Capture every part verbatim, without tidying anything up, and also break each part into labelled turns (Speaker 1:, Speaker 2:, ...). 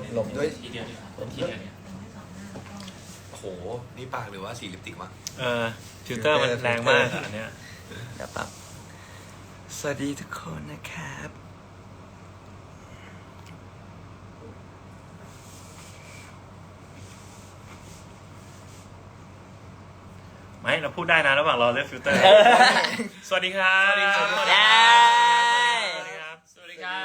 Speaker 1: หลบด้วย
Speaker 2: ทีเดียวดีกว่าทีเดียวเนี่ย
Speaker 3: โอ้โหนี่ปากหรือว่าสีลิปสติกวะ
Speaker 4: เออฟิลเตอร์มันแรงมากอะอันเนี้ย
Speaker 1: เดี๋ยวปั๊บสวัสดีทุกคนนะครับ
Speaker 4: ไม่เราพูดได้นะระหว่างรอเลือกฟิลเตอร์ สวัสดีครับ
Speaker 3: สวัสดีครับ
Speaker 4: สวัสดี
Speaker 1: เย้
Speaker 4: ครับ
Speaker 2: สวัสดีครับ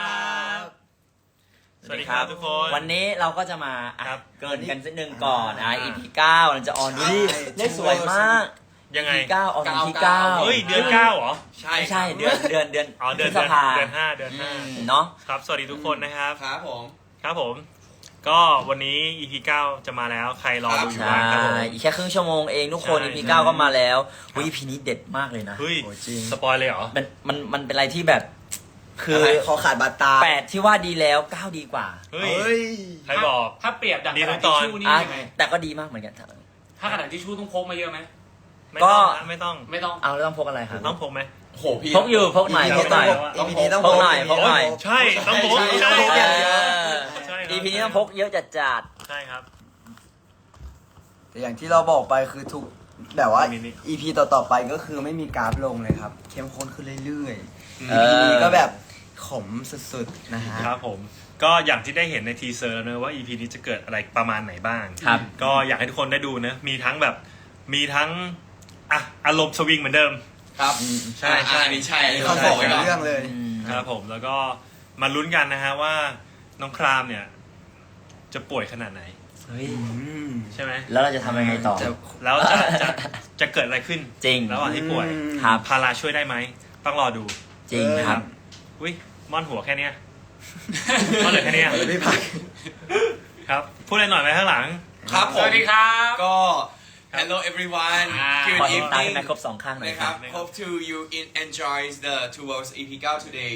Speaker 4: สวัสดีครับทุกคน
Speaker 1: วันนี้เราก็จะมาอ่ะ
Speaker 4: ครับ
Speaker 1: เกินกันสักหนึ่งก่อนอ่ะ อี พี เก้าเราจะออนดูดิเลขสวยมาก
Speaker 4: ยังไง
Speaker 1: อี พี เก้าออนวันที่เก้า
Speaker 4: เฮ้ยเดือนเก้าเหรอ
Speaker 3: ใช่
Speaker 1: ไม่ใช่เดือนเดือนเดือน
Speaker 4: อ๋อเดือน
Speaker 1: พฤษ
Speaker 4: เดือน
Speaker 1: ภา
Speaker 4: เดือนห้าเดือนห้า
Speaker 1: อืมเนาะ
Speaker 4: ครับสวัสดีทุกคนนะครับ
Speaker 3: ครับผม
Speaker 4: ครับผม ก็วันนี้ อี พี เก้าจะมาแล้วใครรอดูอยู่
Speaker 1: ใช่
Speaker 4: บ้างครับผม
Speaker 1: อีกแค่ครึ่งชั่วโมงเองทุกคน
Speaker 4: ใช่
Speaker 1: อี พี เก้าก็มาแล้ว
Speaker 4: ครับ
Speaker 1: อี พี นี้เด็ดมากเลยนะ
Speaker 4: เฮ้ย
Speaker 1: โอ้จริง
Speaker 4: สปอยเลยเหรอ
Speaker 1: มันมันมันเป็นอะไรที่แบบ คือ
Speaker 5: อะไรคอขาดบาดตา
Speaker 1: แปดที่ว่าดีแล้วเก้าดีกว่า
Speaker 4: เฮ้ย
Speaker 5: เฮ้ย
Speaker 4: ใครบอก
Speaker 2: ถ้าเปรียบดัง
Speaker 4: ดี
Speaker 2: กระ
Speaker 4: ทุ
Speaker 2: ดาก ษ
Speaker 4: ตอน
Speaker 2: ทิชชู่นี่
Speaker 1: อ่ะ
Speaker 2: ยังไง
Speaker 1: แต่ก็ดีมากเหมือนกัน
Speaker 2: ถ้ากระดาษทิชชู่ต้องพกมาเยอะไหม
Speaker 4: ไม่ต้องนะไม่ต้อง
Speaker 2: ไม่ต้อง
Speaker 1: เอาแล้วต้องพกอะไรครับ
Speaker 4: ต้องพกไหม
Speaker 3: โอ้โหพี่
Speaker 1: พกอยู่พกหน่อย
Speaker 5: อี
Speaker 1: พกหน่อย
Speaker 5: อีพีนี้ต้อง
Speaker 1: พกหน่อยพกหน่อย
Speaker 4: ใช่ต้องพก
Speaker 5: ใช่
Speaker 4: ใช่
Speaker 5: ต้องพกอย่างเดียว
Speaker 4: ใช่ครับ
Speaker 1: อีพีนี้ต้องพกเยอะจัดจัด
Speaker 4: ใช่ครับ
Speaker 5: แต่อย่างที่เราบอกไปคือทุกแบบว่า
Speaker 4: มีนี่
Speaker 5: อีพีต่อๆไปก็คือไม่มีกราฟลงเลยครับ เข้มข้นขึ้นเรื่อยๆ
Speaker 1: เอ
Speaker 5: อีพี
Speaker 1: อ
Speaker 5: นี้ก็แบบขมสุดๆนะฮะ
Speaker 4: ครับผมก็อย่างที่ได้เห็นในทีเซอร์แล้วนะว่า อี พี นี้จะเกิดอะไรประมาณไหนบ้าง
Speaker 1: ครับ
Speaker 4: ก็อยากให้ทุกคนได้ดูนะมีทั้งแบบมีทั้งอ่ะอารมณ์สวิงเหมือนเดิม
Speaker 3: ครับ
Speaker 4: ใช่ใช่
Speaker 3: อันนี้ใช่อันนี้
Speaker 5: เขา
Speaker 3: เขา
Speaker 5: บบ อ
Speaker 3: อก ก
Speaker 5: เป็
Speaker 3: ไว้
Speaker 5: น
Speaker 3: ก่อน
Speaker 5: เรื่องเลย
Speaker 1: อืม
Speaker 4: ครับผมแล้วก็มาลุ้นกันนะฮะว่าน้องครามเนี่ย จะป่วยขนาดไหน
Speaker 1: เฮ้ย
Speaker 5: อืม
Speaker 4: ใช่ไหม
Speaker 1: แล้วเราจะทำยังไงต่อ
Speaker 5: จะ
Speaker 4: แล้วจะจะจะเกิดอะไรขึ้น
Speaker 1: จริง
Speaker 4: ระหว่างที่ป่วย
Speaker 5: อืม
Speaker 1: ครับ
Speaker 4: พาราช่วยได้ไหมต้องรอดู
Speaker 1: จริงครับ
Speaker 4: อุ้ยม่อนหัวแค่เนี้ยม่อนเหลือแค่เนี้ย
Speaker 5: ไม่พัก
Speaker 4: ครับพูดอะไรหน่อยไหมข้างหลัง
Speaker 3: ครับผ
Speaker 2: ส
Speaker 3: ม
Speaker 2: วัสดีครับ
Speaker 3: ก็ hello everyone
Speaker 2: อ่า
Speaker 3: good
Speaker 1: ขอเห็นตาให้
Speaker 3: evening
Speaker 1: แม่ครบสองข้างหน่อย
Speaker 3: นะ
Speaker 1: ค
Speaker 3: ค
Speaker 1: รั
Speaker 3: รับ บ hope to you in enjoy the Two Worlds อี พี เก้า today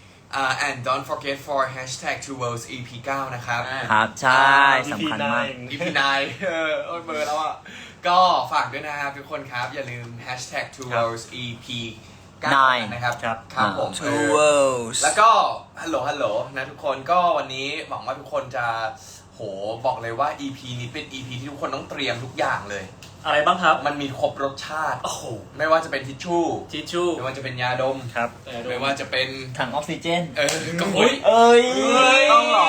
Speaker 3: uh, and don't forget for hashtag Two Worlds อี พี เก้า นะครับ
Speaker 1: ครับ ใช่สำคัญมาก
Speaker 3: อี พี ไนน์ เออโอ้ยเบอร์แล้วอ่ะ ก็ฝากด้วยนะครับทุกคนครับ อย่าลืม hashtag Two Worlds อี พี เก้า
Speaker 1: Nine
Speaker 3: นะครับ
Speaker 4: ครับ
Speaker 3: ครับผม
Speaker 5: Two Worlds
Speaker 3: แล้วก็ฮัลโหลฮัลโหลนะทุกคนก็วันนี้หวังว่าทุกคนจะโหบอกเลยว่า อี พี นี้เป็น อี พี ที่ทุกคนต้องเตรียมทุกอย่างเลย
Speaker 2: อะไรบ้างครับ
Speaker 3: มันมีครบรสชาติ
Speaker 2: โอ้โห
Speaker 3: ไม่ว่าจะเป็นทิชชู่
Speaker 2: ทิชชู่
Speaker 3: ไม่ว่าจะเป็นยาดม
Speaker 4: ครับ
Speaker 3: ไม่ว่าจะเป็น
Speaker 1: ถังออกซิเจน
Speaker 3: เออก็
Speaker 2: เฮ้ย
Speaker 1: เอ้ย
Speaker 5: ต้องเหรอ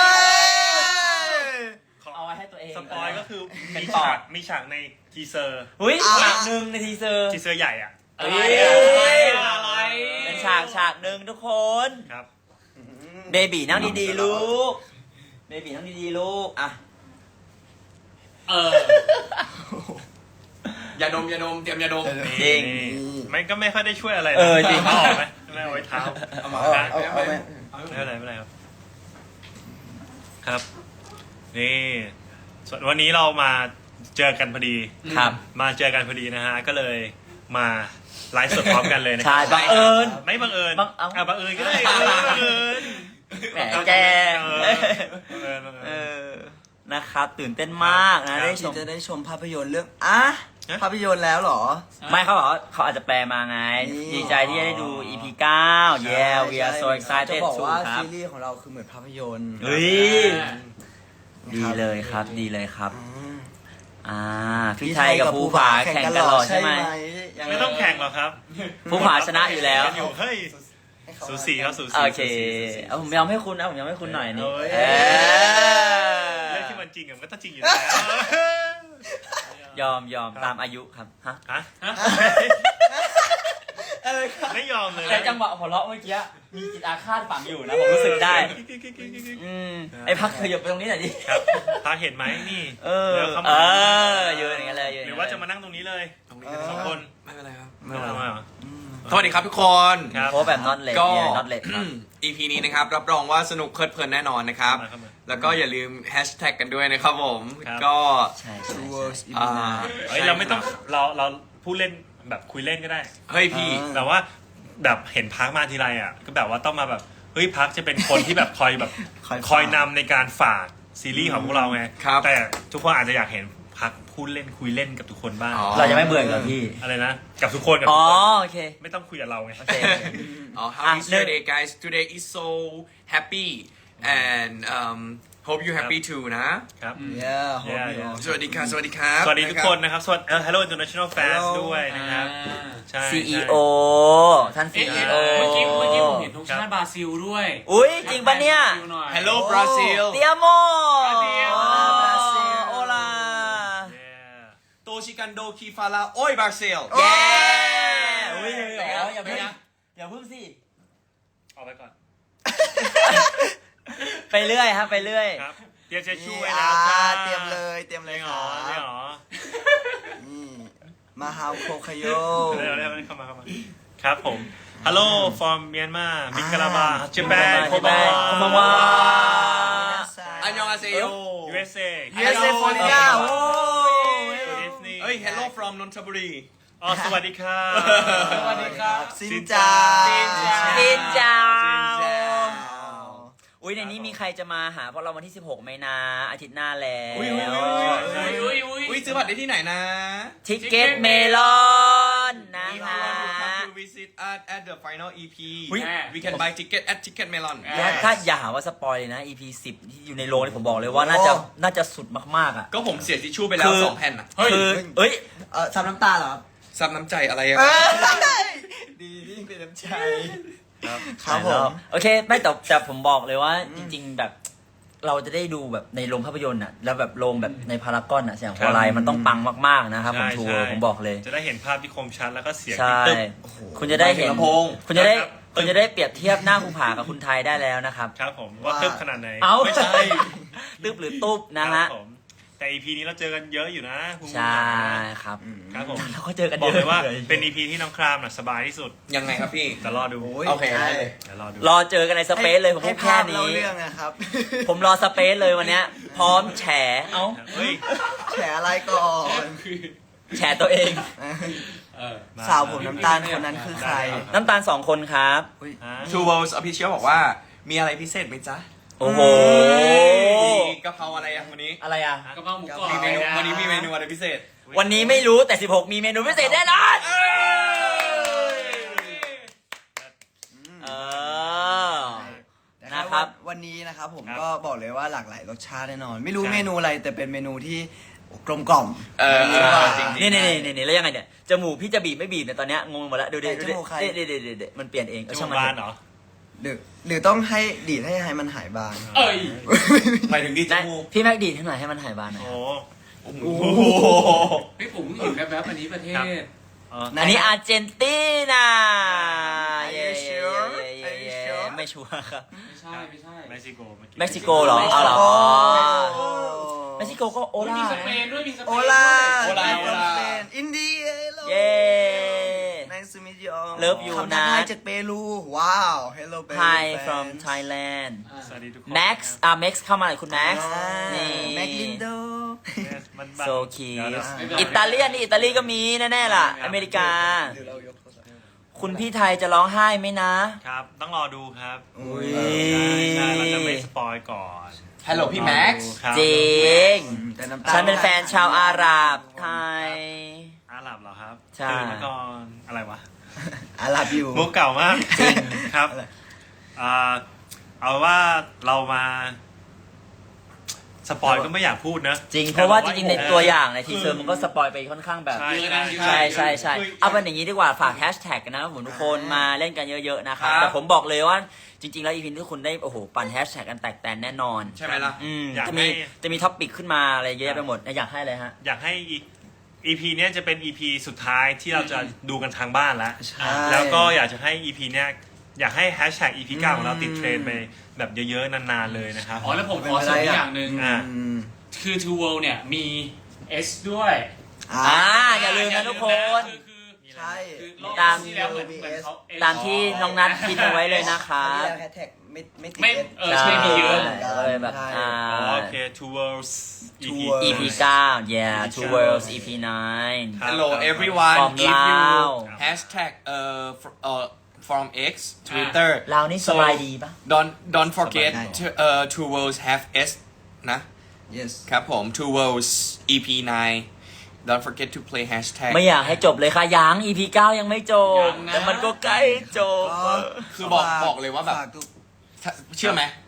Speaker 1: เอาไว้ให้ตัวเอง
Speaker 4: สปอยก็คือ
Speaker 1: เป็น
Speaker 4: มี
Speaker 1: ปอ
Speaker 4: ฉาก
Speaker 1: ด
Speaker 4: มีฉากในทีเซอร์
Speaker 1: อุ้ย
Speaker 5: อ่ะ
Speaker 1: ฉากหนึ่งในทีเซอร์
Speaker 4: ทีเซอร์ใหญ่อ่ะ
Speaker 2: อะไร
Speaker 1: เอ้ย
Speaker 2: อะไร
Speaker 1: เป็นฉากฉากหนึ่งทุกคน
Speaker 4: ครับ
Speaker 1: เบบีนั่งดีๆลูก เบบีนั่งดีๆลูก อ่ะ
Speaker 2: เออ
Speaker 3: ยาดมยาดมเตรียมยาดม
Speaker 1: จริง
Speaker 4: นี่ไม่ก็ไม่ค่อยได้ช่วยอะไรนะ
Speaker 1: เออจริง
Speaker 4: เอาออกไหมไม่เอาไว้เท้า
Speaker 3: เอามา
Speaker 5: เอา
Speaker 3: เอา
Speaker 5: เอา
Speaker 3: เอา
Speaker 5: เอา
Speaker 3: ไหม
Speaker 5: เอา
Speaker 4: ไม่เป็นไรไม่เป็นไรครับ ครับ นี่ส่วนวันนี้เรามาเจอกันพอดี
Speaker 1: ครับ
Speaker 4: มาเจอกันพอดีนะฮะ ก็เลยมาไลฟ์สดพร้อมกันเลยนะค
Speaker 1: ใช่
Speaker 4: รับ
Speaker 1: บังเอิญ
Speaker 4: ไม่บังเอิญ
Speaker 1: บังเอ้า
Speaker 4: อ่ะบังเอิญก็ได้เออบังเอิญ
Speaker 1: แหมแก
Speaker 4: เออบังเอิญบัง
Speaker 1: เอ
Speaker 4: เอิญ
Speaker 1: อ นะครับ ตื่นเต้นมากนะ ได้ช
Speaker 5: ที่
Speaker 1: ม
Speaker 5: จะได้ชมภาพยนตร์เรื่องอ่ะ
Speaker 4: ฮะ
Speaker 5: ภาพยนตร์แล้วเหรอ
Speaker 1: ไม่เขาบอกว่าเขาอาจจะแปลมาไง
Speaker 5: นี่
Speaker 1: ดีใจที่จะได้ดู อี พี เก้า yeah we are so
Speaker 5: จะ
Speaker 1: excited
Speaker 5: บอก
Speaker 1: to
Speaker 5: ว่า
Speaker 1: ครับ
Speaker 5: ซีรีส์ของเราคือเหมือนภาพยนตร์
Speaker 1: เฮ้ย
Speaker 5: นะ
Speaker 1: ดี
Speaker 5: ครับ
Speaker 1: เลยครับ ดีเลยครับ
Speaker 5: อืม
Speaker 1: อ่า พี่ไทยกับภูผาแข่งกันหล่อใช่ไหม
Speaker 5: ยังง
Speaker 4: ไม่ต้องแข่งหรอกครับ
Speaker 1: ภูผาชนะอยู่แล้ว
Speaker 4: อยู่เฮ้ย
Speaker 5: ให้เขา
Speaker 4: สูสีครับสูสี
Speaker 1: โอเค
Speaker 4: สูสีสูสี
Speaker 1: เอาผมยอมให้คุณนะผมยอมให้คุณหน่อยนี่
Speaker 4: เอ้ย
Speaker 1: เออ
Speaker 4: เรื่องที่มันจริงอะมันก็ต้องจริงอยู่แล้ว
Speaker 1: ยอมยอมตามอายุครับฮะ
Speaker 4: ฮะ
Speaker 5: อะไรครับ
Speaker 4: ไม่ยอมเลย
Speaker 1: แต่จังหวะหัวเราะเมื่อกี้มีจิตอาฆาตฝังอยู่นะผมรู้สึกได้ อืมไอ้พักขยับไปตรงนี้หน่อยดิ
Speaker 4: ครับพาเห็นไหมนี่
Speaker 1: เออ
Speaker 4: ดี๋ยวข้า
Speaker 1: เอ
Speaker 4: มา
Speaker 1: อยืนอย่างเงี้ยเลยยืน
Speaker 4: หรือว่าจะมานั่งตรงนี้เลย
Speaker 3: ตรงนี้ก็ได้
Speaker 4: สองคน
Speaker 3: ไม่เป็นไรครับ
Speaker 4: ไม่เอามาเหรอ
Speaker 3: สวัสดีครับทุกคน
Speaker 4: ครับ
Speaker 1: โพสแบบน็อตเลด
Speaker 3: ก็
Speaker 1: เนี่ยน็อตเลดครับ
Speaker 3: อี พี นี้นะครับ รับรองว่าสนุกเพลิดเพลินแน่นอนนะครับ
Speaker 4: เข้ามาเข้ามา
Speaker 3: แล้วก็อย่าลืมแฮชแท็กกันด้วยนะครับผม
Speaker 4: ครับ
Speaker 3: ก็
Speaker 1: ใช่ใช่
Speaker 5: Two
Speaker 1: ใช่
Speaker 5: Worlds อี
Speaker 3: อ่า
Speaker 5: พี Nine
Speaker 4: เฮ้ยเราไม่ต้องเราเราพูดเล่นแบบคุยเล่นก็ได้
Speaker 3: เฮ้ยพี่
Speaker 5: อ่า
Speaker 4: แต่ว่าแบบเห็นพักมาทีไรอ่ะก็แบบว่าต้องมาแบบเฮ้ยพักจะเป็นคนที่แบบคอยแบบ
Speaker 5: คอย
Speaker 4: คอยนำในการฝากซีรีส์ของพวกเราไง
Speaker 3: ครับ
Speaker 4: แต่ทุกคนอาจจะอยากเห็นพักพูดเล่นคุยเล่นกับทุกคนบ้าง
Speaker 3: อ๋อ
Speaker 1: เราจะไม่เบื่ออีกเหรอพี่
Speaker 4: อะไรนะกับทุกคนกับ
Speaker 1: อ๋
Speaker 4: ทุ
Speaker 1: อก
Speaker 4: คน
Speaker 1: โอเค
Speaker 4: ไม่ต้องคุยกับเราไง
Speaker 1: โอเค
Speaker 3: Oh, how
Speaker 1: Ah,
Speaker 3: is your
Speaker 1: no.
Speaker 3: day, guys? Today is so happy, and um, hope you happy too นะ
Speaker 4: ครับ
Speaker 5: yeah hope
Speaker 4: Yeah,
Speaker 5: you
Speaker 4: yeah.
Speaker 5: all
Speaker 3: สวัสดีครับสวัสดีครับ
Speaker 4: สวัสดีทุกคนนะครับ สวัสดีเอ่อ Hello International Fans
Speaker 5: Hello
Speaker 4: ด้วยนะครับ
Speaker 2: อ่า
Speaker 4: ใช่
Speaker 1: ซี อี
Speaker 4: ใช่
Speaker 1: โอ ท่านซี
Speaker 2: เอ๊ะ
Speaker 1: อี
Speaker 2: เอ๊ะ
Speaker 1: โอ
Speaker 2: เมื่อกี้เมื่อกี้ผมเห็นธงชาติบราซิลด้วย
Speaker 1: อุ้ยจริงปะเนี่ย
Speaker 2: บราซิลหน่อย
Speaker 3: Hello Brazil
Speaker 1: เตียโม
Speaker 2: Adiós
Speaker 1: โอลา
Speaker 4: Yeah
Speaker 3: โตชิกันโดคีฟาลาโอ้ยบราซิล
Speaker 1: เย้อุ้ยเหรออย่าเพิ่งอย่าเพิ่งสิ
Speaker 4: ออกไปก่อน
Speaker 1: ไปเรื่อยครับไปเรื่อย
Speaker 4: ครับ เตรียมเช็ดชู่
Speaker 5: นี่
Speaker 4: ไว้
Speaker 5: อ่า
Speaker 4: แล้วจ้า
Speaker 5: เตรียมเลยเตรียมเลย
Speaker 4: ไม่
Speaker 5: ค
Speaker 4: หร
Speaker 5: รั
Speaker 4: อไม่
Speaker 5: บ
Speaker 4: หรอ
Speaker 5: นี่มาฮาวโคคาโย
Speaker 4: เร็วเร็วเข้ามาเข้ามาครับผม Hello from Myanmar มิกราบาเจแปนโคบา
Speaker 1: โคบาวา
Speaker 3: อันยองอาเซโย
Speaker 4: ยู เอส เอ
Speaker 5: ยู เอส เอ ฟลอริดาโอ้
Speaker 4: Good evening
Speaker 3: เอ้ย Hello from นนทบุรี
Speaker 4: อ๋อสวัสดีครับ
Speaker 2: สวัสดีครับ
Speaker 5: ซินจา
Speaker 2: ซินจา
Speaker 1: ซินจา
Speaker 5: ซินจา
Speaker 1: อุ้ยในนี้มีใครจะมาหาพวกเราวันที่สิบหกไหมนะอาทิตย์หน้าแล้ว
Speaker 3: อุ้ยอุ้ยอุ้ย
Speaker 2: อุ้ยอุ้ย
Speaker 3: อุ้ยซื้อบัตรได้ที่ไหนนะ
Speaker 1: ทิกเก็ตเมลอนนะ
Speaker 3: If
Speaker 1: คะ
Speaker 3: you want to come to visit us at the final อี พี
Speaker 1: อุ๊ย
Speaker 3: we can buy ticket at Ticket Melon
Speaker 1: และถ้าอย่าหาว่าสปอยเลยนะ อี พี สิบที่อยู่ในโรงนี่ผมบอกเลยว่าน่าจะน่าจะสุดมากๆอ่ะ
Speaker 3: ก็ผมเสียทิชชู่ไปแล้ว
Speaker 1: คือ
Speaker 3: สองแผ่นอ่ะ
Speaker 1: คือเอ้ย
Speaker 5: เออซับน้ำตาเหรอครับ
Speaker 3: ซับน้ำใจอะไรอะ
Speaker 5: ดียิ่งเป็นน้ำใจครับผม
Speaker 1: โอเคไม่แต่แต่ผมบอกเลยว่าจริง ๆ แบบเราจะได้ดูแบบในโรงภาพยนตร์อ่ะแล้วแบบโรงแบบในพารากอนอ่ะเสียงโคไลมันต้องปังมากๆนะครับผม
Speaker 4: ใช่
Speaker 1: ทัว
Speaker 4: ใช่
Speaker 1: ร์ผมบอกเลย
Speaker 4: จะได้เห็นภาพที่คมชัดแล้วก็เสียง
Speaker 1: ใช่
Speaker 4: ที่ตึ๊บ
Speaker 1: คุณจะได้เห็น
Speaker 3: ลำโพง
Speaker 1: คุณจะได้
Speaker 4: ครับ
Speaker 1: คุณจะได้เปรียบเทียบหน้าภูผากับคุณไทยได้แล้วนะครับ
Speaker 4: ครับผมว่าตึ๊บขนาดไหน
Speaker 1: เอ้า
Speaker 4: ไม่ใช่
Speaker 1: ตึบหรือตุ๊บนะฮะ
Speaker 4: ครับผมแต่ อี พี นี้เราเจอกันเยอะอยู่นะคุณ
Speaker 1: ใช่ครับ
Speaker 4: ครับผม
Speaker 1: เราก็เจอกัน
Speaker 4: บ
Speaker 1: เย
Speaker 4: อก
Speaker 1: อะ
Speaker 4: เลยว่าเป็น อี พี ที่น้องครามน่ะสบายที่สุด
Speaker 3: ยังไงครับพี่
Speaker 4: แต่รอดู
Speaker 5: โอ้ย
Speaker 3: โอเคได้เลย
Speaker 4: เดี๋ยวรอดู
Speaker 1: รอเจอกันในสเปซเลยผม
Speaker 5: ให้
Speaker 1: พูดแค่
Speaker 5: ภาพเล่า
Speaker 1: นี้
Speaker 5: เรื่องนะครับ
Speaker 1: ผมรอสเปซเลยวันเนี้ย พร้อมแฉเอ้า
Speaker 4: เฮ้ย
Speaker 5: แฉอะไรก่อน
Speaker 1: แฉตัวเอง
Speaker 2: เออ
Speaker 5: สาวผมน้ำตาลคนนั้นคือใคร
Speaker 1: น้ำตาลสองคนครับ
Speaker 5: อุ๊ย
Speaker 4: ฮะ
Speaker 3: Two Worlds Official บอกว่ามีอะไรพิเศษไหมจ๊ะ
Speaker 1: โอ้โห
Speaker 3: มีกะเพราอะไรอ่ะวันนี้
Speaker 1: อะไรอ่ะ
Speaker 2: กระเพราหมูกรอบ
Speaker 3: มีเมนู
Speaker 2: ะ
Speaker 3: วันนี้มีเมนูอะไรพิเศษ
Speaker 1: วันนี้ไม่รู้แต่ สิบหก มีเมนูพิเศษแน่นอนเออ นะครับ
Speaker 5: วันนี้นะครับผม
Speaker 4: ครับ
Speaker 5: ก็บอกเลยว่าหลากหลายรสชาติแน่นอน ไม่รู้
Speaker 4: ใช่
Speaker 5: เมนูอะไรแต่เป็นเมนูที่กลมกล่อม
Speaker 3: เออ
Speaker 5: ดีกว่า
Speaker 3: จริง
Speaker 1: นี่นี่นี่นี่แล้วยังไงเนี่ย จมูกพี่จะบีบไม่บีบเนี่ยตอนเนี้ยงงหมดแล้วดูดิ
Speaker 5: ไหน
Speaker 1: ดูดิ
Speaker 5: จมูกใคร
Speaker 1: เด็ดเด็ดเด็ดเด็ดมันเปลี่ยนเอง
Speaker 4: จ
Speaker 1: เออ
Speaker 4: มู
Speaker 1: ช่าง
Speaker 4: ก
Speaker 1: มัน
Speaker 4: บาน
Speaker 1: เถ
Speaker 4: เหร
Speaker 1: อะ
Speaker 4: อ
Speaker 5: หรือหรือต้องให้ดีดให้ให้มันหายบาง
Speaker 2: เอ้ย
Speaker 3: หมายถึงดีจ
Speaker 1: ได้
Speaker 3: มูก
Speaker 1: พี่แม็กดีดให้หน่อยให้มันหายบานหน่อย
Speaker 4: โอ้
Speaker 3: โอ้โห
Speaker 2: พี่ผมเห็นแวบๆอันนี้ประเทศ
Speaker 4: อ๋อ
Speaker 5: ไหน
Speaker 1: อันนี้อาร์เจนตินา
Speaker 5: Are
Speaker 1: เย้
Speaker 5: you sure?
Speaker 1: เย้เย้
Speaker 5: Are you
Speaker 1: เย้
Speaker 5: sure?
Speaker 1: ไม่ชัวร์ครับ
Speaker 2: ไม่ใช่ไม่ใช่
Speaker 4: เม็กซิโกเมื่อกี้
Speaker 1: เม็กซิโกเหรอเอาเหรอ
Speaker 5: โอ้
Speaker 1: เม็กซิโกก็โอ
Speaker 2: โอ้ย
Speaker 1: ลา
Speaker 2: มีสเปนด้วยมีสเปน
Speaker 5: โอ
Speaker 2: ด้วย
Speaker 5: ลา
Speaker 3: โอลาโอลา
Speaker 5: อินเดีย
Speaker 1: เย้
Speaker 5: Nice to meet you
Speaker 1: Love you
Speaker 5: คำทัก
Speaker 1: นะ
Speaker 5: ทายจากเปรูว้าว Hello Peru
Speaker 1: Hi
Speaker 5: fans
Speaker 1: from Thailand
Speaker 2: อ่า
Speaker 4: สวัสดีทุกคน
Speaker 1: Max อ่ะ Max เข้ามาหน่อยคุณ Max
Speaker 5: อ่า
Speaker 1: นี่
Speaker 5: แม็กลินโด
Speaker 4: Yes มันบัง
Speaker 1: so cute
Speaker 4: เดี๋ยว
Speaker 2: ไม่เป็นไร
Speaker 1: อิตาเลียนนี่อิตาลีก็มีแน่ๆล่ะ อเมริกา คุณพี่ไทยจะร้องไห้ไหมนะ
Speaker 4: ครับ ต้องรอดูครับ
Speaker 5: อุ้ย
Speaker 4: ใช่เราจะไม่สปอยก่อน
Speaker 3: ฮัลโหลพี่แม็กซ์
Speaker 4: ครับ
Speaker 1: จริง
Speaker 5: แต่น้ำตาล
Speaker 1: ฉันเป็นแฟนชาวอาหรับไทย
Speaker 4: อาหรับเหรอครับ
Speaker 1: ใช่
Speaker 4: ตื่นมาก่อน อะไรวะ
Speaker 5: อาหรับอยู่
Speaker 4: มุกเก่ามาก
Speaker 1: จริง
Speaker 4: ครับอ่าเอาว่าเรามา สปอยก็ไม่อยากพูดนะ
Speaker 1: จริง เพราะว่าจริงๆ ในตัวอย่าง
Speaker 4: เ
Speaker 1: ในทีเซอร์มันก็สปอยไปค่อนข้างแบบ
Speaker 4: ใช่ใช่
Speaker 1: ใช่ใช่ใช่
Speaker 3: คือ
Speaker 1: เอาเป็นอย่างนี้ดีกว่าฝากแฮชแท็กนะครับผมทุกคนมาเล่นกันเยอะๆนะครับ
Speaker 3: ครับ
Speaker 1: แต่ผมบอกเลยว่าจริง ๆ แล้วอีพีนี้ทุกคนได้โอ้โหปั่นแฮชแท็กกันแตกแตนแน่นอน
Speaker 3: ใช่ไหมล่ะ
Speaker 1: อืม
Speaker 4: อยาก
Speaker 1: จะ
Speaker 4: ให้
Speaker 1: มีจะมีท็อปปิกขึ้นมาอะไรเยอะแยะไปหมดอยากให้เลยฮะ
Speaker 4: อยากให้อีอีพีเนี้ยจะเป็น อี พี สุดท้ายที่เราจะดูกันทางบ้านแล้ว
Speaker 5: ใช่
Speaker 4: แล้วก็อยากจะให้ อี พี เนี้ยอยากให้แฮชแท็ก อี พี เก้าของเราติดเทรนด์ไปแบบเยอะๆนานๆเลยนะครับ
Speaker 2: อ๋อแล้วผมขอเสริมอีกอย่างหนึ่ง
Speaker 4: อ่า
Speaker 5: อืม
Speaker 2: คือ Two World เนี่ยมี S ด้วย
Speaker 5: อ่า
Speaker 1: อ่าอย่าลืมนะทุกคน
Speaker 2: คือคือ
Speaker 5: ใช่
Speaker 2: คือรอบ
Speaker 1: ตาม
Speaker 2: ที่แล้วเหมือนเหมือนเขา S
Speaker 1: ตามที่น้องนัทพิมพ์เอาไว้เลยนะค
Speaker 5: อั
Speaker 1: รั
Speaker 5: นนี้
Speaker 1: บ
Speaker 5: แล้วแฮชแท็กไม่ไม่ติด
Speaker 2: ไม่
Speaker 5: เอส
Speaker 2: เออใช่มีเยอะ
Speaker 1: ก็เลยแบบอ่า
Speaker 4: อ๋อโอเค Two Worlds อี พี
Speaker 5: Two Worlds
Speaker 1: อี พี เก้า yeah two worlds อี พี nine
Speaker 4: ครับ
Speaker 3: Hello everyone
Speaker 1: From
Speaker 3: if you
Speaker 1: Lao
Speaker 3: hashtag เอ่อ fr- เอ่อ from X Twitter
Speaker 1: เรานี่สบายดีปะ
Speaker 3: don't don't forget
Speaker 5: สบายดี
Speaker 3: to เอ่อ Two Worlds have S นะ
Speaker 5: yes
Speaker 3: ครับผม Two Worlds อี พี nine don't forget to play hashtag
Speaker 1: ไม่อยากให้จบเลยค่ะยัง อี พี เก้ายังไม่จบ
Speaker 2: ยังนะ
Speaker 1: แต่มันก็ใกล้จบ
Speaker 5: ก็
Speaker 3: คือบอกบอกเลยว่าแบบ
Speaker 5: ฝกทุก
Speaker 3: เชื่อไหม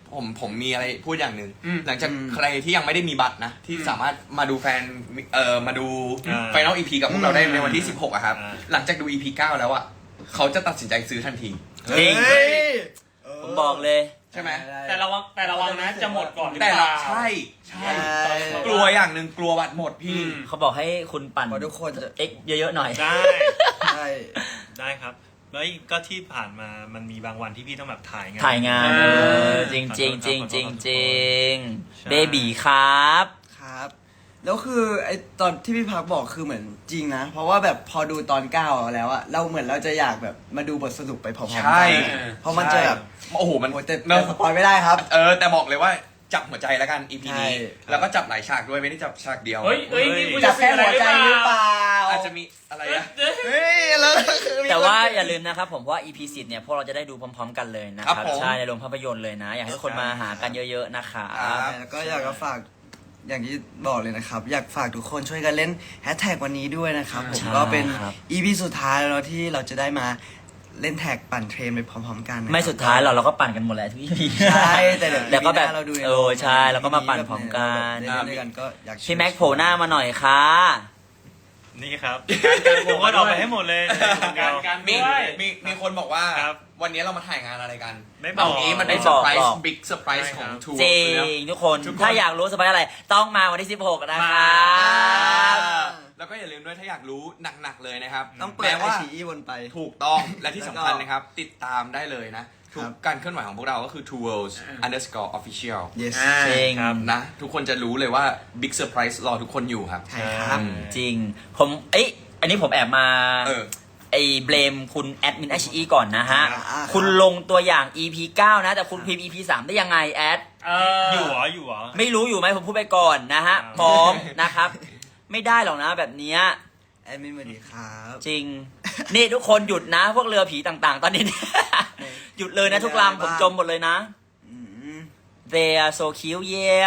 Speaker 3: ผมผมมีอะไรพูดอย่างหนึ่ง
Speaker 2: อืม
Speaker 3: หลังจาก
Speaker 5: อืม
Speaker 3: ใครที่ยังไม่ได้มีบัตรนะ ที่สามารถมาดูแฟนเอ่อมาดู
Speaker 4: อ่า
Speaker 3: ไฟนอลอีพีกับพวกเราได้ในวันที่สิบหกอะครับ
Speaker 4: อ่า
Speaker 3: หลังจากดู อี พี เก้าแล้วอะเขาจะตัดสินใจซื้อทันที
Speaker 1: จริง
Speaker 5: เฮ้ย
Speaker 1: ผมบอกเลย
Speaker 3: ใช่ไหม
Speaker 2: แต่ระวังแต่ระวังนะจะหมดก่อนหรือ
Speaker 3: แต่
Speaker 2: เป
Speaker 3: ละ
Speaker 2: ล่า
Speaker 3: ใช่ใช่
Speaker 5: ใช่
Speaker 3: กลัวอย่างหนึ่งกลัวบัตรหมดพี่
Speaker 2: อืม
Speaker 1: เขาบอกให้คุณปั่น
Speaker 5: เพราะทุกคนจะ
Speaker 1: เอ็กเยอะๆหน่อย
Speaker 4: ได้
Speaker 5: ใช่
Speaker 4: ได้ครับ แล้วก็ที่ผ่านมามันมีบางวันที่พี่ต้องแบบถ่ายงาน
Speaker 1: ถ่ายงาน
Speaker 4: เอ
Speaker 1: เอ
Speaker 4: อ
Speaker 1: อจริงจริงจริงจริงจริง
Speaker 4: ใช่
Speaker 1: เบบีครับ
Speaker 5: ครับ แล้วคือไอตอนที่พี่พักบอกคือเหมือนจริงนะ เพราะว่าแบบพอดูตอนเก้าแล้วอะเราเหมือนเราจะอยากแบบมาดูบทสรุปไปพร้อมๆกั
Speaker 3: ใช่
Speaker 5: เพราะมันจะแบบ
Speaker 3: โอ้โหมัน
Speaker 5: โอ้แต่
Speaker 3: เนอะ
Speaker 5: แต่สปอยไม่ได้ครับ
Speaker 3: เออแต่บอกเลยว่าจับหัวใจแล้วกัน อี พี
Speaker 5: ใช่
Speaker 3: นี้แล้วก็จับหลายฉากด้วยไม่ได้จับฉากเดียว
Speaker 2: เฮ้ยเฮ้ยนี่คุณ
Speaker 5: จั
Speaker 2: จะ
Speaker 5: บแค่หัวใจหรือเปล่า
Speaker 3: อาจจะมีอะไรอะ
Speaker 5: เฮ้ยแล้วคือมี
Speaker 1: แต่ว่าอย่าลืมนะครับผมเพราะว่า อี พี สิบเนี่ยพวกเราจะได้ดูพร้อมๆกันเลยนะค
Speaker 3: ครั
Speaker 1: รับบ
Speaker 3: ผม
Speaker 1: ใช่ในโรงภาพยนตร์เลยนะ อยากให้ทุกคนมาหากันเยอะๆนะคะ
Speaker 3: ครับ
Speaker 5: แล้วก็อยากจะฝากอย่างที่บอกเลยนะครับ อยากฝากทุกคนช่วยกันเล่นแฮชแท็กวันนี้ด้วยนะครับผม
Speaker 1: ใช่
Speaker 5: ก็เป็น
Speaker 1: ครับ
Speaker 5: อี พี สุดท้ายแล้วที่เราจะได้มาเล่นแท็กปั่นเทรนไปพร้อมๆกันนะครับ
Speaker 1: ไม่สุดท้ายเราเราก็ปั่นกันหมดแหละทุก อี พี
Speaker 5: ใช่แต่เดี๋ยว
Speaker 1: เดี๋ยวก็แบบ
Speaker 5: ปีหน้าเราดูใน
Speaker 1: เออใช่แล้วก็มาปั่นพร้อมกัน
Speaker 5: เล่นด้วยกันก็อยาก
Speaker 1: พี่แม็กโผล่หน้ามาหน่อยค่ะ
Speaker 4: นี่ครับ
Speaker 2: การโหวต
Speaker 4: ผมก็ออกไปให้หมดเลย
Speaker 2: การการ
Speaker 3: มี
Speaker 2: ด้วย
Speaker 3: มีมีคนบอกว่า
Speaker 4: ครับ
Speaker 3: วันนี้เรามาถ่ายงานอะไรกัน
Speaker 4: ไม่บอก
Speaker 3: เอางี้มัน
Speaker 1: ไม่
Speaker 3: เป็น
Speaker 1: บ
Speaker 3: เซอ
Speaker 1: อก
Speaker 3: ร์ไพร
Speaker 1: บอ
Speaker 3: ส์
Speaker 1: ก
Speaker 3: บิ๊กเซอร์ไพรส์ของทัวร์
Speaker 1: จริ
Speaker 3: นะ
Speaker 1: งทุกคน
Speaker 3: ทุกคน
Speaker 1: ถ้าอยากรู้สบายอะไร ต้องมาวันที่สิบหกนะคะ
Speaker 3: แล้วก็อย่าลืมด้วยถ้าอยากรู้หนักๆเลยนะครับ
Speaker 5: ต้องเปิด
Speaker 3: แม้
Speaker 5: ไอ
Speaker 3: ว่า
Speaker 5: ชีอีวนไป
Speaker 3: ถูกต้องและที่สำคัญ
Speaker 5: แล้วก็
Speaker 3: นะครับ ติดตามได้เลยนะ ทุก
Speaker 5: ครับ
Speaker 3: การเคลื่อนไหวของพวกเราก็คือ two worlds underscore official
Speaker 5: yes
Speaker 2: อ่า
Speaker 1: จริง
Speaker 4: ครับ
Speaker 3: นะ ทุกคนจะรู้เลยว่า big surprise รอทุกคนอยู่ครับ
Speaker 5: ใช่ครับ
Speaker 1: จริง ผมเอ้ยอันนี้ผมแอบมา
Speaker 3: เออ
Speaker 1: ไอ้เบลมคุณแอดมิน เอช อี ก่อนนะฮะ
Speaker 5: อ่าครับ
Speaker 1: คุณลงตัวอย่าง อี พี เก้า นะ แต่คุณพิมพ์ อี พี สาม ได้ยังไงแอด
Speaker 2: เออ
Speaker 4: อ
Speaker 2: อยู่
Speaker 4: เหรออยู่เหรอ
Speaker 1: ไม่รู้อยู่ไหมผมพูดไปก่อนนะฮะ
Speaker 4: อ่า
Speaker 1: พร้อมนะครับ ไม่ได้หรอกนะแบบเนี้ย
Speaker 5: แอดมินสวัสดีครับ
Speaker 1: จริง นี่ทุกคนหยุดนะ พวกเรือผีต่างๆ ตอนนี้ หยุดเลยนะทุกลำผมจมหมดเลยนะ
Speaker 5: อืม
Speaker 1: They are so cute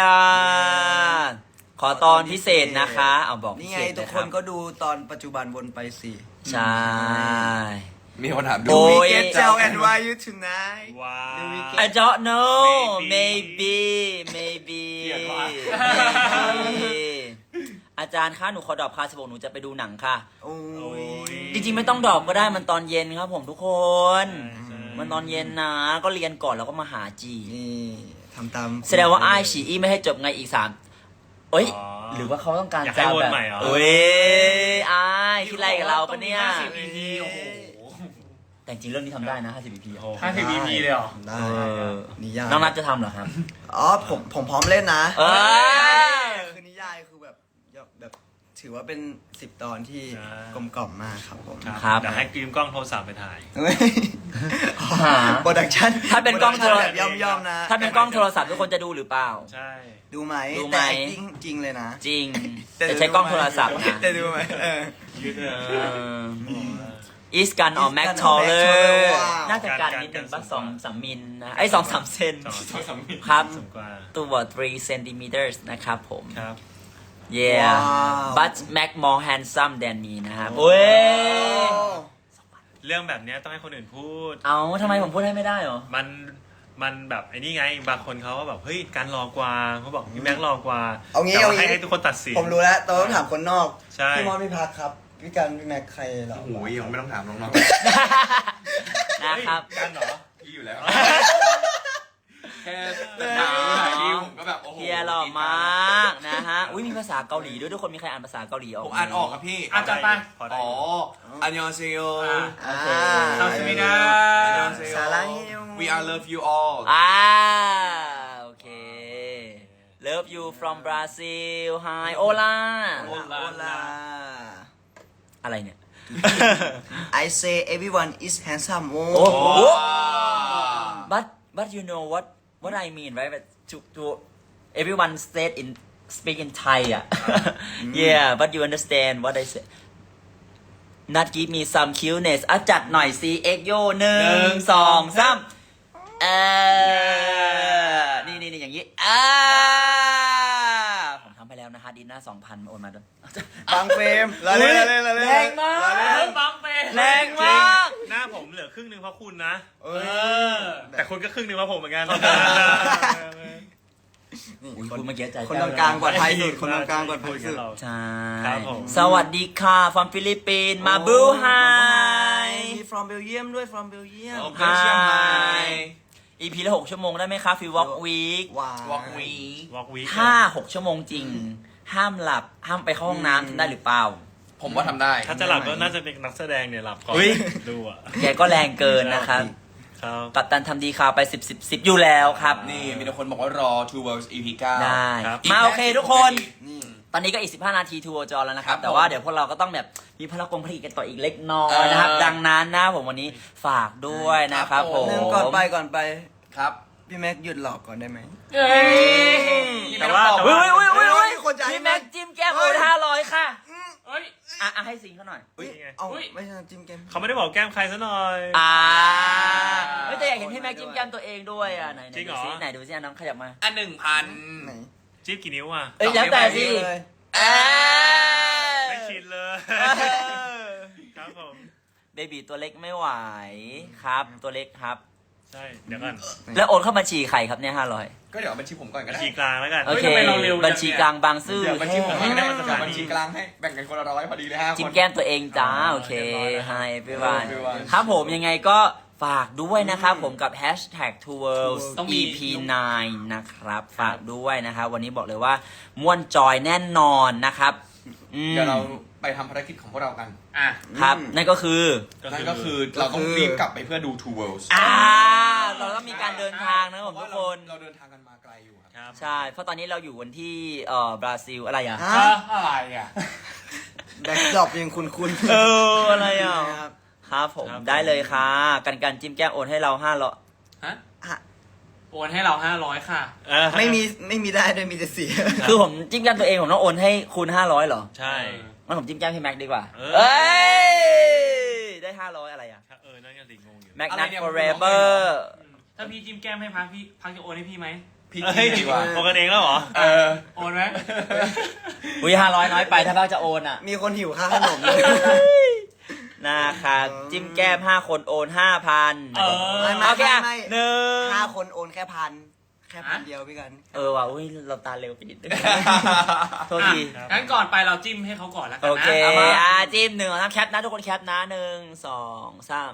Speaker 1: yeah ขอตอนพิเศษนะคะ เอาบอกพิ
Speaker 5: นี่
Speaker 1: เศ
Speaker 5: ไง
Speaker 1: ษ
Speaker 5: ทุ
Speaker 1: เล
Speaker 5: ก
Speaker 1: ย
Speaker 5: ค
Speaker 1: ครั
Speaker 5: น
Speaker 1: บ
Speaker 5: ก็ดูตอนปัจจุบันวนไปสิ
Speaker 1: ใช่
Speaker 3: มีคนถามดู
Speaker 1: โอ้ย
Speaker 5: We get tell and why you tonight
Speaker 4: ว้าว
Speaker 1: I don't know
Speaker 4: Maybe
Speaker 1: maybe maybe
Speaker 3: เกลียดว่ะ
Speaker 1: maybe อาจารย์คะหนูขอดรอปคลาสสิบหกหนูจะไปดูหนังค่ะ
Speaker 5: โอ้
Speaker 4: โอ้
Speaker 5: ย
Speaker 4: ย
Speaker 1: จริงๆไม่ต้องดรอปก็ได้มันตอนเย็นครับผมทุกคน
Speaker 4: ใช่ใช่
Speaker 1: มันตอนเย็นนะ ก็เรียนก่อนแล้วก็มาหาจี
Speaker 5: นี่ทำตาม
Speaker 1: แสดงว่าไอ้ายฉีอี้ไม่ให้จบไงอีกสามเอ้ย
Speaker 4: อ๋อ
Speaker 1: หรือว่าเขาต้องการ
Speaker 4: อยากให้
Speaker 1: จะ
Speaker 4: วน
Speaker 1: แบบ
Speaker 4: ใหม่เหรอ
Speaker 1: เอ้ยไอ้ายคิดอะไรกับเราปะเนี่ย
Speaker 2: ห้าสิบ อี พี โอ้โห
Speaker 1: แต่จริงๆเรื่องนี้ทำได้นะห้าสิบ อี พี
Speaker 4: โอ้
Speaker 2: ห้าสิบ อี พี เลยเหรอ
Speaker 5: ได้
Speaker 1: เออ
Speaker 5: นิยาย
Speaker 1: น้องนัทจะทำเหรอครับ
Speaker 5: อ๋อผมผมพร้อมเล่นนะ
Speaker 1: เอ้ย
Speaker 5: คือนิยายคือแบบแบบถือว่าเป็นสิบตอนที่
Speaker 4: ใช่
Speaker 5: กลมกล่อมมากครับผม
Speaker 1: ครับ
Speaker 4: เดี๋ยวให้กรีมกล้องโทรศัพท์ไปถ่าย
Speaker 1: หา
Speaker 5: โปรดักชั่น
Speaker 1: ถ้าเป็นกล้องโทร
Speaker 5: แบบย่อมย่อมๆนะ
Speaker 1: ถ้าเป็นกล้องโทรศัพท์ทุกคนจะดูหรือเปล่า
Speaker 4: ใช่
Speaker 5: ดูไหม
Speaker 1: ดูไหม
Speaker 5: แต่ acting จริงเลยนะ
Speaker 1: จริง แต่ใช้กล้องโทรศัพท์นะ
Speaker 5: แต่ดูไหมเออ
Speaker 4: ยืดเอ
Speaker 1: เอ
Speaker 4: อ
Speaker 1: ออีสกันออ
Speaker 5: East
Speaker 1: แม็ก
Speaker 5: Gun
Speaker 1: ทอ
Speaker 5: or
Speaker 1: ลเลอ
Speaker 5: Mac Taller
Speaker 1: ร์
Speaker 5: ว้าว
Speaker 1: น่าจะการนิดนึงป่ะสองสามมิลนะไอ้ยสองสามเซน
Speaker 4: สองสองสามมิล
Speaker 1: ครับ
Speaker 4: สูงกว่า
Speaker 1: ตัว three centimeters นะครับผม
Speaker 4: ครับ
Speaker 1: yeah
Speaker 5: ว้าว
Speaker 1: but Mac more handsome than me นะครับเว้ย
Speaker 4: เรื่องแบบเนี้ยต้องให้คนอื่นพูด
Speaker 1: เอาทำไมผมพูดให้ไม่ได้เหรอ
Speaker 4: มันมันแบบไอ้นี่ไงบางคนเขาก็แบบเฮ้ยการรอกว่าเขาบอกพี่แม็กรอกว่า
Speaker 5: เอางี้
Speaker 4: แต่ว่า
Speaker 5: เอางี้
Speaker 4: ให้ให้ทุกคนตัดสิน
Speaker 5: ผมรู้แล้วแต่ต้องถามคนนอก
Speaker 4: ใช่
Speaker 5: พี่มอสพี่พักครับ พี่กันพี่แม็กใครเหรอ
Speaker 3: โอ้โหยังไม่ต้องถามน้อง
Speaker 1: นะครับ
Speaker 4: เฮ้ยกันเหรอ
Speaker 3: ๆพี่อยู่แล้ว แค่ถามถ่ายรีวผมก็แบบโอ้โห
Speaker 1: เฮียหล่อมากนะฮะ อุ้ยมีภาษาเกาหลีด้วยทุกคนมีใครอ่านภาษาเกาหลีออก
Speaker 3: ผมอ่านออกครับพี่
Speaker 2: อ่ะจัดไป
Speaker 4: พอได้
Speaker 3: อ๋อ
Speaker 4: อยู่
Speaker 3: อันยองเซโย
Speaker 1: โอเค
Speaker 2: คำสมิดา
Speaker 5: สารังเฮล
Speaker 3: We are love you all
Speaker 1: อ่าโอเค Love you from Brazil Hi Hola
Speaker 5: โอลาโอลา
Speaker 1: อะไรเนี่ย
Speaker 5: I say everyone is handsome โอ้
Speaker 1: โอ้โห
Speaker 3: โอ้
Speaker 1: but but you know what what I mean right but to to everyone said in speak in Thai อ่ะ yeah but you understand what I say not give me some cuteness อ่ะจัดหน่อย C X โยหนึ่งสองสามเออนี่นี่นี่อย่างนี้อ่าผมทำไปแล้วนะฮะดินหน้าสองพันโอนมาด้วย
Speaker 5: บางเฟรมละเล่นละเล่นละเล่น
Speaker 1: แรงมาก
Speaker 2: เริ่มบังเป็น
Speaker 1: แรงมาก
Speaker 4: หน้าผมเหลือครึ่งหนึ่งเพราะคุณนะ
Speaker 5: เอ
Speaker 2: เอ
Speaker 5: อ
Speaker 2: อ
Speaker 4: แต่คุณก็ครึ่งหนึ่งเพราะผมเหมือนกัน
Speaker 5: นี่
Speaker 1: อุ๊ย
Speaker 5: คน
Speaker 1: คุณเมื่อกี้ใจ
Speaker 5: คน
Speaker 1: แป้
Speaker 5: ต
Speaker 1: ว
Speaker 5: รงกลางปลอดภัยสุดคนตรงกลางปลอดภัยสุด
Speaker 1: ใช่
Speaker 4: ครับผม
Speaker 1: สวัสดีค่ะ from ฟิลิปปินส์มาบูไฮ
Speaker 5: มี from Belgium ด้วย from Belgium
Speaker 3: โอเคเชียงใหม่
Speaker 1: อีพีละหกชั่วโมงได้ไหมคะฟีวอล์กวีค
Speaker 5: ว้าว
Speaker 3: วอล์กวี
Speaker 4: วอล์กวีค
Speaker 1: ห้าหกชั่วโมงจริง ห้ามหลับ ห้ามไปเข้าห้องน้ำทำได้หรือเปล่า
Speaker 3: ผมว่าทำได้
Speaker 4: ถ้าจะหลับก็น่าจะเป็นนักแสดงเนี่ยหลับก่อน
Speaker 1: อุ๊ย
Speaker 4: ดูอ่ะ
Speaker 1: แกก็แรงเกินนะครับ
Speaker 4: ครับ
Speaker 1: กัปตันทำดีข่าวไปสิบสิบสิบอยู่แล้วครับ
Speaker 3: นี่มีแต่คนบอกว่ารอ Two Worlds อี พี เก้า
Speaker 1: ได้
Speaker 4: ครับ
Speaker 1: มาโอเคทุกคน
Speaker 5: นี่
Speaker 1: ตอนนี้ก็อีกสิบห้านาทีทัวร์จอแล้วนะครับ
Speaker 3: ครับ
Speaker 1: แต่ว่า
Speaker 3: ผม
Speaker 1: เดี๋ยวพวกเราก็ต้องแบบมีพลังกงผลิตกันต่ออีกเล็กน้อยนะครับ
Speaker 3: เออ
Speaker 1: ดังนั้นนะผมวันนี้ฝากด้วยนะครับ
Speaker 3: ครับ
Speaker 1: ผ
Speaker 3: ผม ม
Speaker 5: หนึ่งก่อนไปก่อนไป
Speaker 3: ครับ
Speaker 5: พี่แม็กหยุดหลอกก่อนได้ไหม
Speaker 2: เอ้ย
Speaker 4: แต่ว่าแต่
Speaker 1: เฮ้ย
Speaker 4: ว่า
Speaker 1: เฮ้ยเฮ้ยเฮ้ย
Speaker 5: มีคนจ่าย
Speaker 1: พี่แม็กจิ้มแก้มโอนห้าร้อยค่ะ
Speaker 2: เอ้ย
Speaker 1: อ่ะอ่ะให้สิงเขาหน่อย
Speaker 5: อุ๊ย
Speaker 4: นี่ไง
Speaker 5: เอา
Speaker 2: อุ๊ย
Speaker 5: ไม่ใช่จิ้มแก้ม
Speaker 4: เขาไม่ได้บอกแก้มใครซะหน่อย
Speaker 1: อ่าเฮ้ยแต่อยากเห็นพี่แม็กจิ้มแก้มตัวเองด้วยอ่ะไหนไหน
Speaker 4: จริงเหร
Speaker 1: ดู
Speaker 4: อ
Speaker 1: ซิไหนดูซิอ่ะน้องขยับมา
Speaker 3: อันหนึ่งพัน
Speaker 5: ไหน
Speaker 4: จิ๊บกี่นิ้วอ่ะ
Speaker 1: เอ้ยแล้วแต่สิ
Speaker 5: เลย
Speaker 1: เอ้ย
Speaker 4: ไม่ชินเลย
Speaker 1: เออ
Speaker 4: ครับผม
Speaker 1: เบบีตัวเล็กไม่ไหวครับ ตัวเล็กครับ
Speaker 4: ใช่เดี๋ยวก่อน
Speaker 1: แล้วโอนเข้าบัญชีใครครับเนี่ยห้าร้อย
Speaker 3: ก็เดี๋ยวเอาบัญชีผมก่อนก็
Speaker 4: บัญ
Speaker 3: ได้
Speaker 4: ชีกลางแล้วกัน
Speaker 1: โอเค
Speaker 2: ทำไมเราเร็วจังเนี่ย
Speaker 1: บัญชีกลางบางซื่อ
Speaker 3: เดี๋ยวบัญชีผมก่อนก็ได้
Speaker 1: แ
Speaker 3: เดี๋ยวบัญชีกลางให้แบ่งกันคนละร้อยพอดีเลยฮะ
Speaker 1: จิ้มแก้มตัวเองจ้า โอเค Hi everyone
Speaker 3: everyone
Speaker 1: ครับผมยังไงก็ฝากด้วยนะครับผมกับ hashtag two worlds
Speaker 2: ต้องมี
Speaker 1: อี พี ไนน์ นะครับ ฝากด้วยนะครับ วันนี้บอกเลยว่าม่วนจอยแน่นอนนะครับอืม
Speaker 3: เดี๋ยวเราไปทำภารกิจของพวกเรากัน
Speaker 2: อ่ะ
Speaker 1: ครับ นั่นก็คือ
Speaker 3: นั่นก็คือเราต้องรีบกลับไปเพื่อดู Two Worlds
Speaker 1: อ่า เราต้องมีการเดินทางนะครับผมทุกคน
Speaker 3: เราเดินทางกันมาไกลอยู่ครับ
Speaker 4: ครับ
Speaker 1: ใช่ เพราะตอนนี้เราอยู่กันที่เอ่อบราซิลอะไรอ่ะ
Speaker 5: ฮะ
Speaker 2: อ่ะอะไรอ่ะ
Speaker 5: แบ็คดรอปยังคุณคุณ
Speaker 1: เออ อะไรอ่ะ
Speaker 5: ครับ
Speaker 1: ครับผมได้เลยค่ะ กันกันจิ้มแก้มโอนให้เราห้าร้อย
Speaker 2: ฮะ
Speaker 5: อ่ะ
Speaker 2: โอนให้เราห้าร้อยค่ะ
Speaker 4: เออ
Speaker 5: ไม่มีไม่มีได้ด้วยมีแต่เสีย
Speaker 1: คือผมจิ้มแก้มตัวเองผมต้องโอนให้คูณห้าร้อยเหรอ
Speaker 4: ใช่
Speaker 1: งั้นผมจิ้มแก้มให้แม็กดีกว่า
Speaker 4: เออ
Speaker 1: เอ้ย ได้ห้าร้อยอะไรอ่ะ
Speaker 4: เออนั่นก็สิงงอยู่
Speaker 1: แม็ก
Speaker 3: อะไร
Speaker 1: นัท
Speaker 3: เนี่ย
Speaker 1: forever
Speaker 2: ถ้าพี่จิ้มแก้มให้พักพี่พักจะโอนให้พี่ไหม
Speaker 3: พี่
Speaker 4: เฮ้ย
Speaker 3: ดีกว่า
Speaker 4: โอนกันเองแล้วเหรอ
Speaker 3: เออ
Speaker 2: โอนไหม
Speaker 1: อุ้ยห้าร้อยน้อยไปถ้าบ้าจะโอนอ่ะ
Speaker 5: มีคนหิวค่าขนมเลย
Speaker 1: นะคะจิ้มแก้มห้าคนโอนห้าพัน
Speaker 2: เออ
Speaker 5: ไม่ไม่
Speaker 1: โอเคอ่ะ
Speaker 5: ไม่
Speaker 1: หนึ่ง
Speaker 5: ห้าคนโอนแค่พันแค่พัน
Speaker 2: ฮะ
Speaker 5: เดียวพี่กัน
Speaker 1: เออว่ะอุ้ยเราตาเร็วไปนิดนึงโทษที
Speaker 2: อ่ะงั้นก่อนไปเราจิ้มให้เขาก่อนแล้วกั
Speaker 1: โอน
Speaker 2: นะ
Speaker 1: เค
Speaker 2: เอามา
Speaker 1: อ่ะจิ้มหนึ่งสองสามแคปนะทุกคนแคปนะหนึ่งสองสาม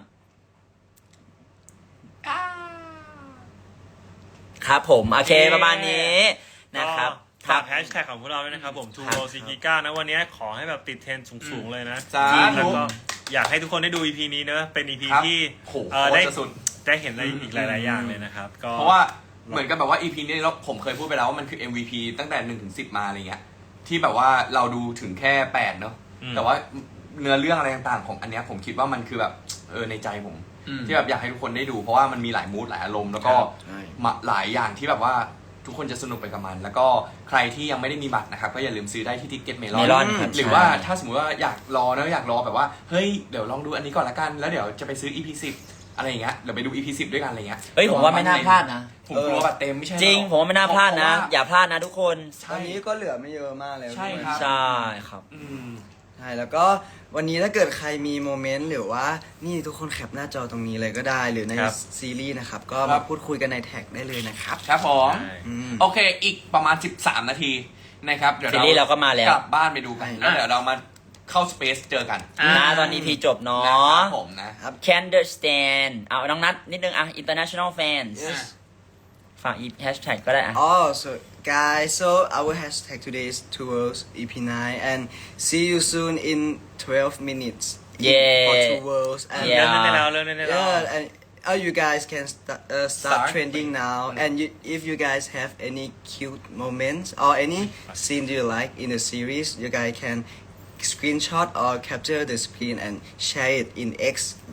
Speaker 1: ครับผม โอเคประมาณนี้นะครับ
Speaker 4: ฝากแฮชแท็กของพวกเราด้วยนะครับผม ทู
Speaker 1: ครับ
Speaker 4: โรซิกิก้านะวันนี้ขอให้แบบติดเทรนด์สูงๆเลยนะ
Speaker 3: สาธุ
Speaker 4: แล้วก็อยากให้ทุกคนได้ดู อี พี นี้เนอะเป็น อี พี
Speaker 3: ครับ
Speaker 4: ที่
Speaker 3: โห
Speaker 4: เอ่อ
Speaker 3: โคตร
Speaker 4: ได้
Speaker 3: จะสุด
Speaker 4: ได้เห็นอะไรอีกหลายๆอย่างเลยนะครับก็
Speaker 3: เพราะว่าเหมือนกับแบบว่า อี พี นี้เราผมเคยพูดไปแล้วว่ามันคือ เอ็ม วี พี ตั้งแต่หนึ่งถึงสิบมาอะไรเงี้ยที่แบบว่าเราดูถึงแค่แปดเนาะ
Speaker 4: อืม
Speaker 3: แต่ว่าเนื้อเรื่องอะไรต่างๆของอันเนี้ยผมคิดว่ามันคือแบบเออในใจผม
Speaker 2: อืม
Speaker 3: ที่แบบอยากให้ทุกคนได้ดู เพราะว่ามันมีหลายมูดหลายอารมณ์แล้วก็
Speaker 5: ใช่
Speaker 3: มาหลายอย่างที่แบบว่าทุกคนจะสนุกไปกับมัน แล้วก็ใครที่ยังไม่ได้มีบัตรนะครับก็อย่าลืมซื้อได้ที่ทิกเก็ตเมลอน
Speaker 1: Melon ครับ
Speaker 3: หรือว่าถ้าสมมติว่าอยากรอนะอยากรอแบบว่าเฮ้ยเดี๋ยวลองดูอันนี้ก่อนละกันแล้วเดี๋ยวจะไปซื้อ อี พี สิบอะไรอย่างเงี้ยเดี๋ยวไปดู อี พี สิบด้วยกันอะไรเงี้ย
Speaker 1: เฮ้ยผมว่าไม่น่าพลาดนะ
Speaker 3: ผมกลัวบัตรเต็มไม่ใช่หอ
Speaker 1: จริงผมว่าไม่น่าพลาดนะ
Speaker 3: เพระว่
Speaker 1: อย่าพลาดนะทุกคน
Speaker 5: ตอนนี้ก็เหลือไม่เยอะมากแล้ว
Speaker 3: ใช่ครับ
Speaker 1: ใช่ครับ
Speaker 3: อืม
Speaker 5: ใช่แล้วก็วันนี้ถ้าเกิดใครมีโมเมนต์หรือว่านี่ทุกคนแคปหน้าจอตรงนี้เลยก็ได้ หรือใน
Speaker 4: ครับ
Speaker 5: ซีรีส์นะครับ ก็
Speaker 3: ครั
Speaker 5: มา
Speaker 3: บ
Speaker 5: พูดคุยกันในแท็กได้เลยนะครับ
Speaker 3: ครับผม
Speaker 4: ใช่
Speaker 5: อืม
Speaker 3: โอเค อีกประมาณ สิบสาม นาทีนะครับ เดี๋ยว
Speaker 1: ซีรีส์เราก็มาแล้ว
Speaker 3: กลับบ้านไปดูกัน
Speaker 5: ใช่
Speaker 3: แล้วเดี๋ยวเรามาเข้าสเปซเจอกัน
Speaker 2: อ่า
Speaker 1: นะตอนนี้พีจบเนา
Speaker 3: นะค
Speaker 1: ะ
Speaker 3: รับผมนะ
Speaker 1: Can understand เอาน้องนัทนิดนึงอ่ะ international fans
Speaker 5: Yes
Speaker 1: ฝากอีแฮชแท็กก็ได้อ่ะ
Speaker 5: Oh, so guys, so our hashtag today is towards E P nine, and see you soon in twelve minutes.
Speaker 1: Yeah.
Speaker 5: For two worlds, and
Speaker 1: Yeah.
Speaker 4: เริ่มได้แล้วเริ่มได้แล้ว
Speaker 5: yeah, and uh, you guys can st- uh, start,
Speaker 3: Start.
Speaker 5: trending now. And you, if you guys have any cute moments or any scene you like in the series, you guys can screenshot or capture the screen and share it in X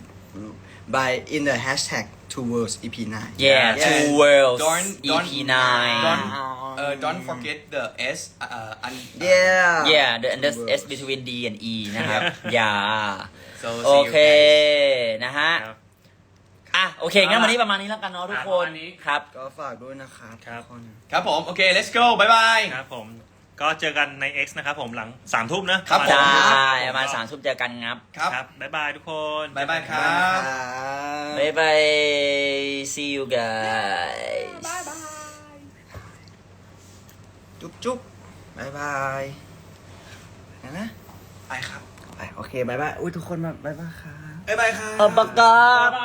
Speaker 5: by in the hashtag towards E P nine.
Speaker 1: Yeah
Speaker 5: Yeah.
Speaker 1: two worlds
Speaker 3: Don't-
Speaker 1: E
Speaker 3: don't-
Speaker 1: P nine
Speaker 3: don't- เอ่อ don't forget the S เอ่ออัน
Speaker 5: Yeah.
Speaker 1: yeah the
Speaker 5: Two
Speaker 1: the
Speaker 5: worlds.
Speaker 1: S between D and E นะครับ อย่า
Speaker 3: so
Speaker 1: โอ
Speaker 3: see you
Speaker 1: เค
Speaker 3: guys
Speaker 1: นะฮะ
Speaker 4: ครับ
Speaker 1: อ่ะ โอเค งั้นวันนี้ประมาณนี้แล้วกันเนาะทุกคน
Speaker 2: ประมาณนี้
Speaker 1: ครับ
Speaker 5: ก็ฝากด้วยนะครับ
Speaker 4: ครับ
Speaker 5: ทุกคน
Speaker 3: ครับผม โอเค let's go บ๊ายบาย
Speaker 4: ครับผมก็เจอกันใน X นะครับผมหลังสามทุ่มนะครับ
Speaker 3: ผม
Speaker 1: ใช่
Speaker 4: ผม
Speaker 1: มาสามทุ่มเจอกันครับ
Speaker 3: ครับ
Speaker 4: ครับบ๊ายบายทุกคน
Speaker 3: บ๊ายบายครับ
Speaker 1: บ๊ายบาย see you guys
Speaker 5: จุ๊บจุ๊บบ๊ายบายนะนะ
Speaker 3: ไปครับ
Speaker 5: ไปโอเคบ๊ายบายอุ้ยทุกคนมาบ๊ายบายครับ
Speaker 3: บ๊ายบายครับ
Speaker 1: เอาปากกา